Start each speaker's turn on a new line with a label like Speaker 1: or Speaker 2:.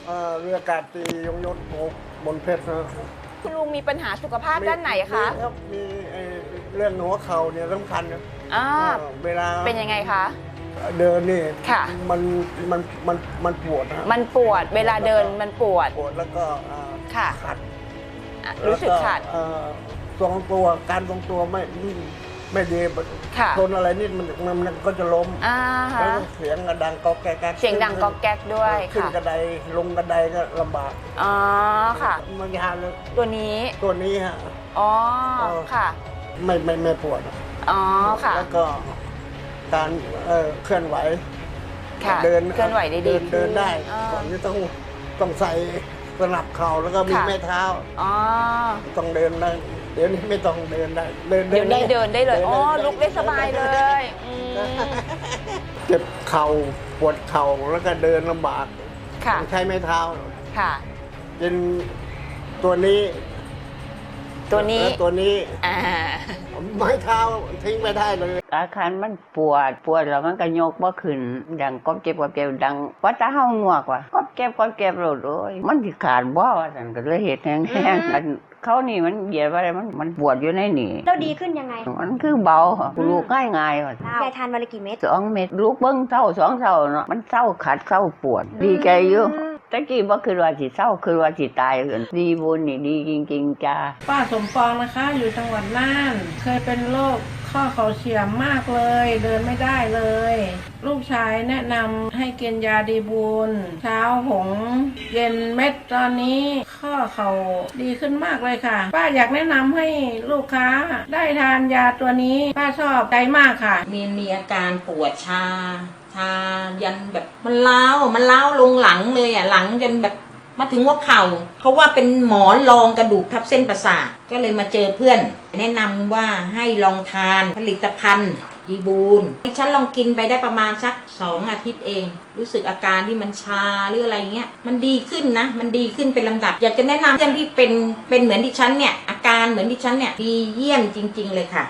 Speaker 1: เรืออากาศตรียงยศบนเพชรนะ
Speaker 2: คุณลุงมีปัญหาสุขภาพด้านไหนคะ
Speaker 1: มีรับมีเรื่องหัวเข่าเนี่ยสำคัญนะ
Speaker 2: อ่า
Speaker 1: เวลา
Speaker 2: เป็นยังไงคะ
Speaker 1: เดินนี่
Speaker 2: ค่ะ
Speaker 1: มันปวดนะ
Speaker 2: มันปวดเวลาเดินมันปวด
Speaker 1: ปวดแล้วก็
Speaker 2: ค่ะ
Speaker 1: ขัด
Speaker 2: รู้สึกขัด
Speaker 1: ทรงตัวการทรงตัวไม่ดี
Speaker 2: ค่ะ
Speaker 1: ชนอะไรนิดมันก็จะล้ม
Speaker 2: อ่า
Speaker 1: แล้ว
Speaker 2: ฮะ
Speaker 1: เสียงกระดังก๊อกแก๊ก
Speaker 2: เสียงดังก๊อกแก๊กด้วย
Speaker 1: ขึ้น
Speaker 2: ค่ะ
Speaker 1: กระไดลงกระไดก็ลำบาก
Speaker 2: อ๋อค่ะ
Speaker 1: มันยาวเลย
Speaker 2: ตัวนี้
Speaker 1: ตัวนี้ฮะ
Speaker 2: อ๋อค่ะ
Speaker 1: ไม่ปวด
Speaker 2: อ๋อค่ะ
Speaker 1: แล้วก็การเคลื่อนไหว
Speaker 2: ค่ะ
Speaker 1: เดิน
Speaker 2: เคลื่อนไหวได้ดี
Speaker 1: เดินได้
Speaker 2: อ่า
Speaker 1: ก่อนนี้ต้องใส่สนับเข่าแล้วก็มี
Speaker 2: ค่ะ
Speaker 1: แม่เท้า
Speaker 2: อ๋อ
Speaker 1: ต้องเดินได้เดี๋ยวนี้ไม่ต้องเดินได้เ
Speaker 2: ดี๋ยวนี้เดินได้เลยอ๋อลุกได้สบายเลยอืม
Speaker 1: เจ็บเข่าปวดเข่าแล้วก็เดินลำบาก
Speaker 2: ค่ะ
Speaker 1: ต้องใช้ไม้เท้า
Speaker 2: ค่ะ
Speaker 1: เป็นตัวนี้
Speaker 2: ตัวนี้
Speaker 1: และตัวนี้
Speaker 2: อ่า
Speaker 1: ไม้เท้าทิ้งไม่ได้เลย
Speaker 3: อาการมันปวดแล้วมันก็ยกบ่ขึ้นดังก๊อบเจ็บดังว่าตาเฮาหนวกว่ะก๊อบเจ็บโลดโอ้ยมันสิขาดบ่ว่าซั่นก็เลยเฮ็ดแห้งๆอันเขานี่มันเหยียดว่าอะไรมันปวดอยู่ในนี่
Speaker 4: เราดีขึ้นยังไง
Speaker 3: มันคือเบาลูกง่ายๆว่ะ
Speaker 4: ยายทานวันละกี่เม็ด
Speaker 3: 2 เม็ดลูกเบิ่งเศร้า2เศร้าเนาะมันเศร้าขัดเศร้าปวด ดีใจอยู่ตะกี้บ่คือว่าสิเศร้าคือว่าสิตายเอิ้นดีบุญนี่ดีจริงๆจ้า
Speaker 5: ป้าสมปองนะคะอยู่จังหวัดน่าน เคยเป็นโรคข้อเข่าเฉียมมากเลย เดินไม่ได้เลย ลูกชายแนะนำให้กินยาดีบูลเช้าหงเย็นเม็ดตอนนี้ข้อเข่าดีขึ้นมากเลยค่ะ ป้าอยากแนะนำให้ลูกค้าได้ทานยาตัวนี้ป้าชอบใจมากค่ะ
Speaker 6: มีอาการปวดชายันแบบมันล้าวลงหลังเลยอ่ะหลังจนแบบมาถึงหัวเข่าเขาว่าเป็นหมอนรองกระดูกทับเส้นประสาทก็เลยมาเจอเพื่อน แนะนำว่าให้ลองทานผลิตภัณฑ์ดีบูลฉันลองกินไปได้ประมาณสัก2 อาทิตย์เอง รู้สึกอาการที่มันชาหรืออะไรเงี้ยมันดีขึ้นนะมันดีขึ้นเป็นลำดับ อยากจะแนะนำเพื่อนที่เป็นเหมือนดิฉันเนี่ยอาการเหมือนดิฉันเนี่ยดีเยี่ยมจริงๆเลยค่ะ